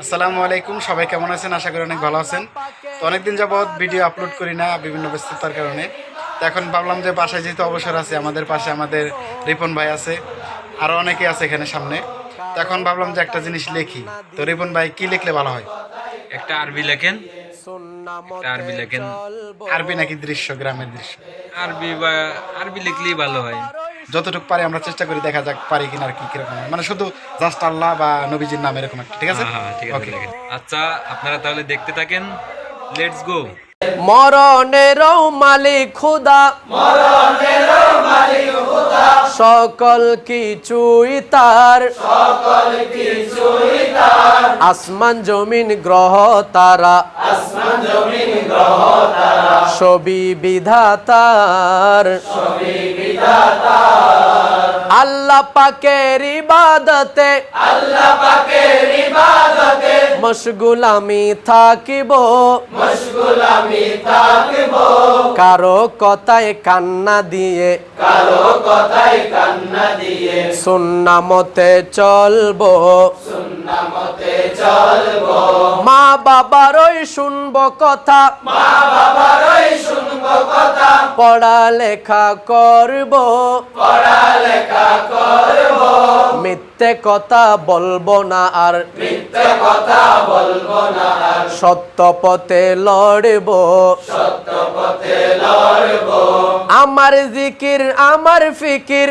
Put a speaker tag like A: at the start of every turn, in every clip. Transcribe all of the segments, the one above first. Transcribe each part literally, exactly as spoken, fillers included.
A: আসসালামু আলাইকুম, সবাই কেমন আছেন? আশা করি অনেক ভালো আছেন। তো অনেকদিন যাবৎ ভিডিও আপলোড করি না বিভিন্ন ব্যস্ততার কারণে। তো এখন ভাবলাম যে বাসায় যেহেতু অবসর আছে, আমাদের পাশে আমাদের রিপন ভাই আছে, আরও অনেকে আছে এখানে সামনে। তো এখন ভাবলাম যে একটা জিনিস লিখি। তো রিপন ভাই কি লিখলে ভালো হয়?
B: একটা আরবি লেখেন, একটা আরবি লেখেন।
A: আরবি নাকি দৃশ্য, গ্রামের দৃশ্য?
B: আরবি বা আরবি লিখলেই ভালো হয়।
A: যতটুকু পারি আমরা চেষ্টা করি, দেখা যাক পারি কিনা আর কি কিরকম হয়। মানে শুধু জাস্ট আল্লাহ বা নবীজির নাম এরকম একটা, ঠিক আছে?
B: হ্যাঁ হ্যাঁ ঠিক আছে,
A: ওকে।
B: লেখেন। আচ্ছা, আপনারা তাহলে দেখতে থাকেন। Let's go.
C: মরণেরও মালিক খুদা, সকল কিছুই তার, আসমান জমিন গ্রহ তারা, সবই বিধাতার। আল্লাহ পাকের ইবাদতে মশগুল আমি থাকিব, কারো কথায় কান্না দিয়ে সুন্নাহ মতে চলবো, মা বাবারই শুনবো কথা, পড়ালেখা করব, মিথ্যে কথা বলবো না আর, সত্য পথে লড়ব, আমার জিকির আমার ফিকির,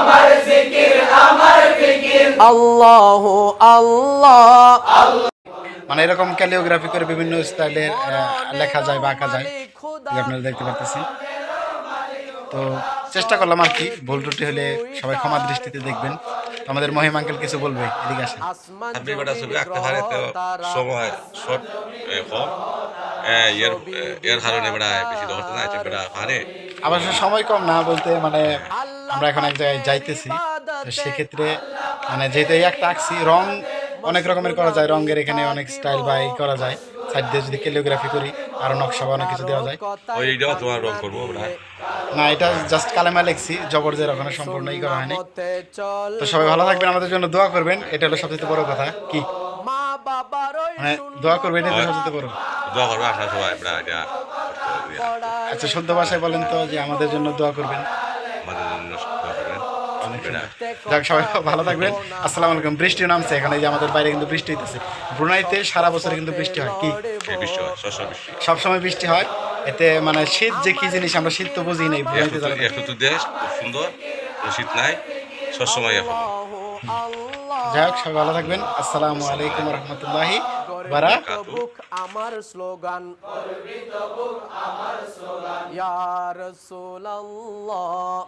C: আল্লাহু আল্লাহ।
A: মানে এরকম ক্যালিওগ্রাফি করে বিভিন্ন স্টাইলের লেখা যায় বা আঁকা যায়, যে আপনারা দেখতে পাচ্ছেন। তো চেষ্টা করলাম আর কি, ভুল ত্রুটি হলে সবাই ক্ষমা দৃষ্টিতে দেখবেন। তো আমাদের মহিম আঙ্কেল কিছু বলবে, এদিকে আসেন।
D: আপনি বেটা ছবি আঁকতে পারে তো সময় শর্ট কম এর এর কারণে বেটা বেশি ধরতে না বেটা পারে।
A: অবশ্য সময় কম না বলতে, মানে আমরা এখন এক জায়গায় যাইতেছি, তো সেক্ষেত্রে মানে যেহেতু এই একটা আঁকছি, রং অনেক রকমের করা যায়, রঙের এখানে অনেক স্টাইল বা এই করা যায়। সাইড দিয়ে যদি ক্যালিওগ্রাফি করি আরও নকশা বা অনেক কিছু দেওয়া যায়।
D: ওই এইটাও তোমার রং করবো বেটা।
A: না, এটা জাস্ট কালেমা লিখছি, জবর জের ওখানে সম্পূর্ণ ই করা হয়নি। তো সবাই ভালো থাকবেন, আমাদের জন্য দোয়া করবেন, এটা হলো সবচেয়ে বড় কথা। কি মানে দোয়া করবেন, এটা সবচেয়ে বড়।
D: দোয়া করবো আপনার সবাই বেটা, এটা
A: আচ্ছা, শুদ্ধ ভাষায় বলেন তো, যে আমাদের জন্য দোয়া করবেন।
D: আমাদের জন্য দোয়া করবেন বেটা।
A: যাক, সবাই ভালো থাকবেন। আসসালামু আলাইকুম। বৃষ্টি নামছে এখানে, যে আমাদের বাইরে কিন্তু বৃষ্টি হইতেছে। ব্রুনাইতে সারা বছরে কিন্তু বৃষ্টি হয়। কি
D: এই বৃষ্টি হয়, শস্য বৃষ্টি
A: সবসময় বৃষ্টি হয়। এতে মানে শীত যে কি জিনিস আমরা শীত তো বুঝি নাই, ব্রুনাইতে যারা থাকে।
D: একটু তো দেশ খুব সুন্দর, কোনো শীত নাই, সবসময় এখন।
A: যাই হোক, সবাই ভালো থাকবেন। আসসালামু আলাইকুম রহমতুল্লাহি বারাকাতুহু।
C: আমার স্লোগান ইয়া রাসূলুল্লাহ,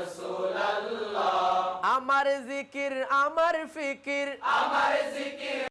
C: আমার জিকির আমার ফিকির।